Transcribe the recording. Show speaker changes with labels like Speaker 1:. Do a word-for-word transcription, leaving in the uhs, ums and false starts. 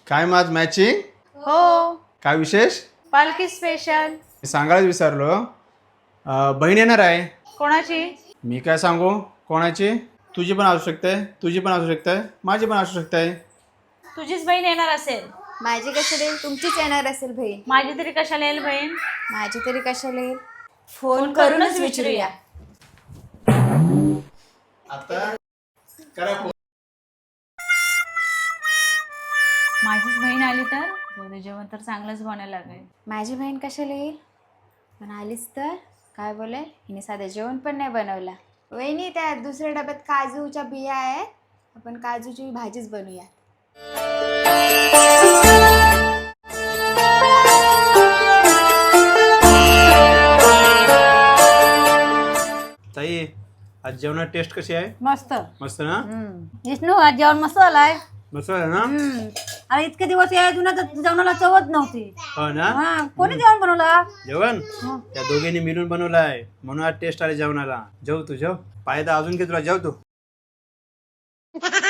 Speaker 1: काय माझ मॅचिंग?
Speaker 2: हो,
Speaker 1: काय विशेष?
Speaker 2: पालखी स्पेशल.
Speaker 1: मी सांगायलाच विसरलो. अं, बहीण येणार आहे.
Speaker 2: कोणाची?
Speaker 1: मी काय सांगू कोणाची? तुझी पण असू शकते, तुझी पण असू शकते, माझी पण असू शकते.
Speaker 2: तुझीच बहीण येणार असेल.
Speaker 3: माझी कशाला येईल? तुमचीच येणार असेल बहीण.
Speaker 2: माझी तरी कशाला येईल बहीण?
Speaker 3: माझी तरी कशाला येईल?
Speaker 2: फोन
Speaker 3: फोन
Speaker 2: करूनच
Speaker 3: करूनच
Speaker 2: विचारूया.
Speaker 3: विचारूया.
Speaker 1: आता करा फोन.
Speaker 2: माझीच बहीण आली तर जाऊ दे, जेवण तर चांगलंच बनायला लागेल.
Speaker 3: माझी बहीण कशाला येईल? पण आलीच तर काय बोलेल? हिने साधं जेवण पण नाही बनवला. वहिनी, त्या दुसऱ्या डब्यात काजूच्या बिया आहेत, आपण काजूची भाजीच बनवूया.
Speaker 1: ताई, आज जेवणात टेस्ट कशी आहे?
Speaker 4: मस्त.
Speaker 1: मस्त ना?
Speaker 4: विष्णू आज जेवण मस्त झालाय.
Speaker 1: मस्त आहे ना?
Speaker 4: अरे इतके दिवस या जुन्या जेवणाला चवच नव्हती.
Speaker 1: हो ना?
Speaker 4: हा, कोणी जेवण बनवला?
Speaker 1: जेवण त्या दोघींनी मिळून बनवलाय म्हणून आज टेस्ट आले जेवणाला. जेव तू जेव. पायदा अजून घे तुला, जेव तू.